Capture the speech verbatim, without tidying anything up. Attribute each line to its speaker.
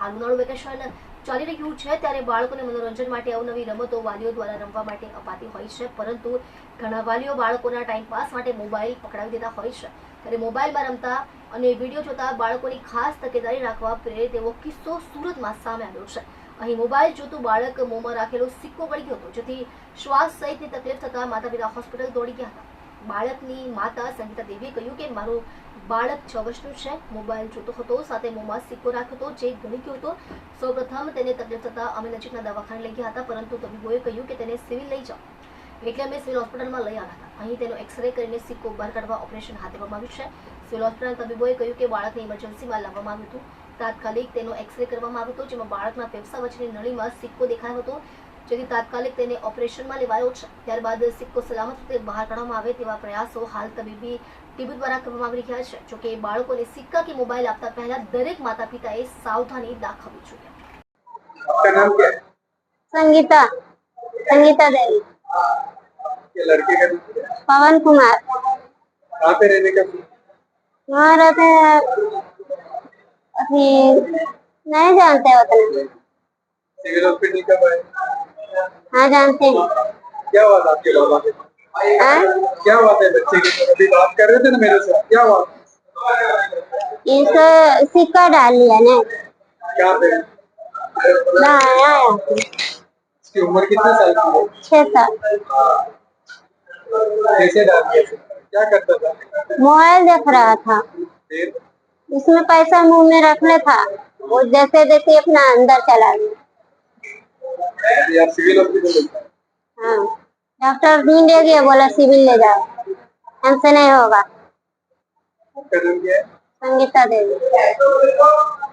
Speaker 1: હાલ ઉનાળુ વેકેશન ચાલી રહ્યું છે ત્યારે બાળકોને મનોરંજન માટે અવનવી રમતો વાલીઓ દ્વારા રમવા માટે અપાતી હોય છે, પરંતુ ઘણા વાલીઓ બાળકોના ટાઈમપાસ માટે મોબાઈલ પકડાવી દેતા હોય છે। ત્યારે મોબાઈલમાં રમતા અને વિડીયો જોતા બાળકોની ખાસ તકેદારી રાખવા પ્રેરે તેવો કિસ્સો સુરતમાં સામે આવ્યો છે। અહીં મોબાઈલ જોતું બાળક મોંમાં રાખેલો સિક્કો પડી ગયો હતો, જેથી શ્વાસ સહિતની તકલીફ થતા માતા પિતા હોસ્પિટલ દોડી ગયા હતા। બાળકની માતા સંગીતા દેવીએ કહ્યું કે મારું બાળક છ વર્ષનું છે, મોબાઈલ જોતો હતો, સાથે મોંમાં સિક્કો રાખ્યો હતો, જે ગળી ગયો હતો। સૌપ્રથમ તેને તકલીફ થતા અમે નજીકના દવાખાને લઈ ગયા હતા, પરંતુ તબીબોએ કહ્યું કે તેને સિવિલ લઈ જાઓ, એટલે અમે સિવિલ હોસ્પિટલમાં લઈ આવ્યા હતા। અહીં તેનો એક્સરે કરીને સિક્કો બહાર કાઢવા ઓપરેશન હાથ ધરવામાં આવ્યું છે। સિવિલ હોસ્પિટલના તબીબોએ કહ્યું કે બાળકને ઇમરજન્સીમાં લાવવામાં આવ્યું હતું। તાત્કાલિક તેનો એક્સરે કરવામાં આવ્યો હતો, જેમાં બાળકના ફેફસા વચ્ચેની નળીમાં સિક્કો દેખાયો હતો, જેથી તાત્કાલિક તેને ઓપરેશનમાં લેવાયો છે। ત્યારબાદ સિક્કો સલામત રીતે બહાર કાઢવામાં આવે તેવા પ્રયાસો હાલ તબીબી ટીમ દ્વારા કરવામાં આવી રહ્યા છે। જોકે બાળકોને સિક્કા કે મોબાઈલ આપતા પહેલા દરેક માતા પિતાએ સાવધાની દાખવવી જોઈએ।
Speaker 2: आपका नाम क्या है?
Speaker 3: संगीता संगीता देवी।
Speaker 2: ये लड़के का नाम क्या है?
Speaker 3: पवन कुमार।
Speaker 2: कहाँ पे रहने का?
Speaker 3: वहाँ रहते हैं, अभी नहीं जानते उतना।
Speaker 2: सिविल हॉस्पिटल कब आए?
Speaker 3: हाँ जानते हैं।
Speaker 2: क्या हुआ था आपके बाबा के?
Speaker 3: हाँ?
Speaker 2: क्या हुआ था बच्चे के साथ? अभी बात कर रहे थे ना मेरे साथ, क्या हुआ?
Speaker 3: इसे सिक्का डाल लिया ने।
Speaker 2: क्या पे?
Speaker 3: आया
Speaker 2: इसकी उम्र कितने साल की है?
Speaker 3: छह साल।
Speaker 2: कैसे डाल दिया? क्या करता था?
Speaker 3: मोबाइल देख रहा था,
Speaker 2: फिर
Speaker 3: इसमें पैसा मुंह में रखने था, वो जैसे जैसे अपना अंदर चला गया।
Speaker 2: अभी आप सिविल हॉस्पिटल ले गए?
Speaker 3: हाँ, डॉक्टर ढूंढ ले गया, बोला सिविल ले जाओ, हमसे नहीं होगा।
Speaker 2: आपका नाम क्या है?
Speaker 3: संगीता देवी।